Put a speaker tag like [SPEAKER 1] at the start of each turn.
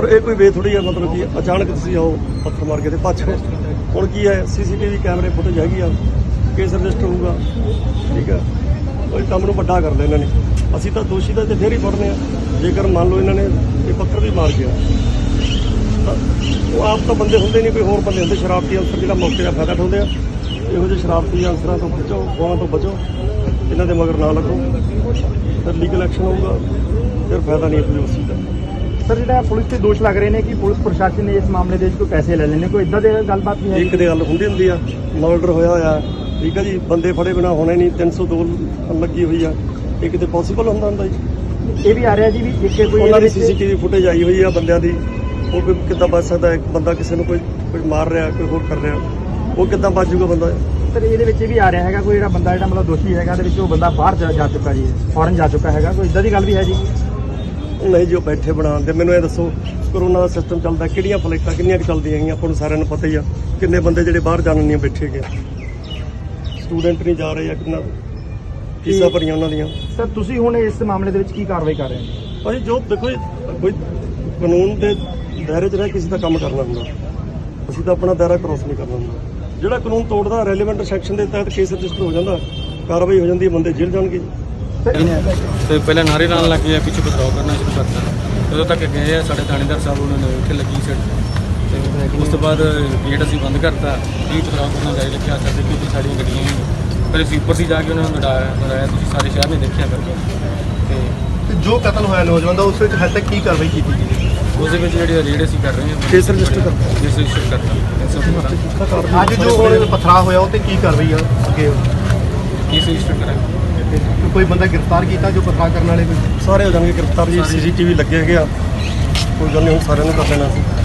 [SPEAKER 1] ਇਹ ਕੋਈ ਵੇ ਥੋੜੀ ਹੈ, ਮਤਲਬ ਕਿ ਅਚਾਨਕ ਤੁਸੀਂ ਆਓ ਪੱਥਰ ਮਾਰ ਕੇ ਤੇ ਭੱਜ ਗਏ। ਹੁਣ ਕੀ ਹੈ, CCTV ਕੈਮਰੇ ਫੁਟੇਜ ਹੈਗੀ ਆ, ਕੇਸ ਰਜਿਸਟਰ ਹੋਊਗਾ, ਠੀਕ ਹੈ। ਉਹ ਕੰਮ ਨੂੰ ਵੱਡਾ ਕਰ ਲਿਆ ਇਹਨਾਂ ਨੇ। ਅਸੀਂ ਤਾਂ ਦੋਸ਼ੀ ਦਾ ਤੇ ਫੇਰ ਹੀ ਫੜਨੇ ਆ। ਜੇਕਰ ਮੰਨ ਲਓ ਇਹਨਾਂ ਨੇ ਇਹ ਪੱਥਰ ਵੀ ਮਾਰ ਗਿਆ ਤਾਂ ਉਹ ਆਪ ਤਾਂ ਬੰਦੇ ਹੁੰਦੇ ਨਹੀਂ, ਕੋਈ ਹੋਰ ਬੰਦੇ ਹੁੰਦੇ ਸ਼ਰਾਰਤੀ ਅਨਸਰ ਜਿਹੜਾ ਮੌਕੇ ਦਾ ਫਾਇਦਾ ਉਠਾਉਂਦੇ ਆ। ਇਹੋ ਜਿਹੇ ਸ਼ਰਾਰਤੀ ਅਨਸਰਾਂ ਤੋਂ ਬਚੋ, ਗੋਹਾਂ ਤੋਂ ਬਚੋ, ਇਹਨਾਂ ਦੇ ਮਗਰ ਨਾ ਲੱਗੋ, ਫਿਰ ਲੀਗਲ ਐਕਸ਼ਨ ਹੋਊਗਾ, ਫਿਰ ਫਾਇਦਾ ਨਹੀਂ ਕੋਈ ਉਸ ਚੀਜ਼ ਦਾ।
[SPEAKER 2] ਸਰ ਜਿਹੜਾ ਪੁਲਿਸ ਤੇ ਦੋਸ਼ ਲੱਗ ਰਹੇ ਨੇ ਕਿ ਪੁਲਿਸ ਪ੍ਰਸ਼ਾਸਨ ਨੇ ਇਸ ਮਾਮਲੇ ਦੇ ਵਿੱਚ ਕੋਈ ਪੈਸੇ ਲੈ ਲੈਣੇ, ਕੋਈ ਇਦਾਂ ਦੀ ਗੱਲਬਾਤ ਨਹੀਂ ਹੈ?
[SPEAKER 1] ਇੱਕ ਦੇ ਗੱਲ ਹੁੰਦੀ ਆ, ਮਰਡਰ ਹੋਇਆ ਹੋਇਆ, ਠੀਕ ਹੈ ਜੀ, ਬੰਦੇ ਫੜੇ ਬਿਨਾ ਹੋਣੇ ਨਹੀਂ, 302 ਲੱਗੀ ਹੋਈ ਆ, ਇਹ ਕਿਤੇ ਪੋਸੀਬਲ ਹੁੰਦਾ ਜੀ?
[SPEAKER 2] ਇਹ ਵੀ ਆ ਰਿਹਾ ਜੀ ਵੀ ਇੱਕ ਕੋਈ
[SPEAKER 1] ਉਹਨਾਂ ਦੀ CCTV ਫੁਟੇਜ ਆਈ ਹੋਈ ਆ ਬੰਦਿਆਂ ਦੀ, ਉਹ ਵੀ ਕਿੱਦਾਂ ਬਚ ਸਕਦਾ? ਇੱਕ ਬੰਦਾ ਕਿਸੇ ਨੂੰ ਕੋਈ ਮਾਰ ਰਿਹਾ, ਕੋਈ ਹੋਰ ਕਰ ਰਿਹਾ, ਉਹ ਕਿੱਦਾਂ ਬਚ ਜਾਊਗਾ ਬੰਦਾ?
[SPEAKER 2] ਸਰ ਇਹਦੇ ਵਿੱਚ ਇਹ ਵੀ ਆ ਰਿਹਾ ਹੈਗਾ ਕੋਈ ਜਿਹੜਾ ਬੰਦਾ ਜਿਹੜਾ ਮਤਲਬ ਦੋਸ਼ੀ ਹੈਗਾ ਇਹਦੇ ਵਿੱਚ ਉਹ ਬੰਦਾ ਬਾਹਰ ਜਾ ਚੁੱਕਾ ਜੀ, ਫੌਰਨ ਜਾ ਚੁੱਕਾ ਹੈਗਾ, ਕੋਈ ਇਦਾਂ ਦੀ ਗੱਲ ਵੀ ਹੈ ਜੀ?
[SPEAKER 1] ਨਹੀਂ ਜੀ, ਉਹ ਬੈਠੇ ਬਣਾਉਣ ਦੇ। ਮੈਨੂੰ ਇਹ ਦੱਸੋ, ਕਰੋਨਾ ਦਾ ਸਿਸਟਮ ਚੱਲਦਾ, ਕਿਹੜੀਆਂ ਫਲਾਈਟਾਂ ਕਿੰਨੀਆਂ ਕੁ ਚੱਲਦੀਆਂ ਹੈਗੀਆਂ? ਆਪਾਂ ਨੂੰ ਸਾਰਿਆਂ ਨੂੰ ਪਤਾ ਹੀ ਆ ਕਿੰਨੇ ਬੰਦੇ ਜਿਹੜੇ ਬਾਹਰ ਜਾਣ ਨਹੀਂ ਬੈਠੇ ਗਏ, ਸਟੂਡੈਂਟ ਨਹੀਂ ਜਾ ਰਹੇ ਆ, ਕਿੰਨਾ ਫੀਸਾਂ ਭਰੀਆਂ ਉਹਨਾਂ ਦੀਆਂ।
[SPEAKER 2] ਸਰ ਤੁਸੀਂ ਹੁਣ ਇਸ ਮਾਮਲੇ ਦੇ ਵਿੱਚ ਕੀ ਕਾਰਵਾਈ ਕਰ ਰਹੇ ਹੋ?
[SPEAKER 1] ਭਾਜੀ ਜੋ ਦੇਖੋ, ਕੋਈ ਕਾਨੂੰਨ ਦੇ ਦਾਇਰੇ 'ਚ ਰਹਿ ਕਿਸੇ ਦਾ ਕੰਮ ਕਰਨਾ ਹੁੰਦਾ, ਅਸੀਂ ਤਾਂ ਆਪਣਾ ਦਾਇਰਾ ਕ੍ਰੋਸ ਨਹੀਂ ਕਰਨਾ ਹੁੰਦਾ। ਜਿਹੜਾ ਕਾਨੂੰਨ ਤੋੜਦਾ, ਰੈਲੀਵੈਂਟ ਸੈਕਸ਼ਨ ਦੇ ਤਹਿਤ ਕੇਸ ਰਜਿਸਟਰ ਹੋ ਜਾਂਦਾ, ਕਾਰਵਾਈ ਹੋ ਜਾਂਦੀ ਹੈ, ਬੰਦੇ ਜੇਲ੍ਹ ਜਾਣਗੇ।
[SPEAKER 3] ਤੇ ਪਹਿਲਾਂ ਨਾਰੇ ਲਾਉਣ ਲੱਗ ਗਏ, ਪਿੱਛੇ ਪਥਰਾਓ ਕਰਨਾ ਸ਼ੁਰੂ ਕਰਤਾ। ਜਦੋਂ ਤੱਕ ਗਏ ਆ ਸਾਡੇ ਥਾਣੇਦਾਰ ਸਾਹਿਬ, ਉਹਨਾਂ ਨੇ ਉੱਥੇ ਲੱਗੀ ਸੀ ਤੇ ਉਸ ਤੋਂ ਬਾਅਦ ਗੇਟ ਅਸੀਂ ਬੰਦ ਕਰਤਾ। ਵੀ ਪਥਰਾਓ ਕਰਨਾ ਜਾਰੀ ਰੱਖਿਆ ਸਾਡੇ ਕਿ ਸਾਡੀਆਂ ਗੱਡੀਆਂ ਪਹਿਲੇ ਸੀਪਰ ਸੀ, ਜਾ ਕੇ ਉਹਨਾਂ ਨੂੰ ਲੜਾਇਆ ਤੁਸੀਂ ਸਾਰੇ ਸ਼ਹਿਰ ਨੇ ਦੇਖਿਆ ਕਰਕੇ।
[SPEAKER 4] ਤੇ ਜੋ ਕਤਲ ਹੋਇਆ ਨੌਜਵਾਨ ਦਾ, ਉਸ ਵਿੱਚ ਹਜੇ ਤੱਕ ਕੀ ਕਾਰਵਾਈ ਕੀਤੀ ਗਈ?
[SPEAKER 3] ਉਸ ਦੇ ਵਿੱਚ ਜਿਹੜੇ ਰੇਡ ਅਸੀਂ ਕਰ ਰਹੇ ਹਾਂ,
[SPEAKER 1] ਕੇਸ ਰਜਿਸਟਰ ਕਰਤਾ,
[SPEAKER 3] ਕੇਸ ਰਜਿਸਟਰ ਕਰਤਾ।
[SPEAKER 4] ਅੱਜ ਜੋ ਹੁਣ ਪਥਰਾ ਹੋਇਆ ਉਹ ਤੇ ਕੀ ਕਾਰਵਾਈ ਆ ਅੱਗੇ?
[SPEAKER 3] ਕੇਸ ਰਜਿਸਟਰ ਕਰਾਂਗੇ।
[SPEAKER 4] ਕੋਈ ਬੰਦਾ ਗ੍ਰਿਫਤਾਰ ਕੀਤਾ ਜੋ ਪਥਰਾ ਕਰਨ ਵਾਲੇ ਕੋਈ?
[SPEAKER 1] ਸਾਰੇ ਹੋ ਜਾਣਗੇ ਗ੍ਰਿਫਤਾਰ ਜੀ। CCTV ਲੱਗੇ ਹੈਗੇ ਆ, ਕੋਈ ਗੱਲ ਨਹੀਂ, ਹੁਣ ਸਾਰਿਆਂ ਨੂੰ ਕਰ ਲੈਣਾ ਸੀ।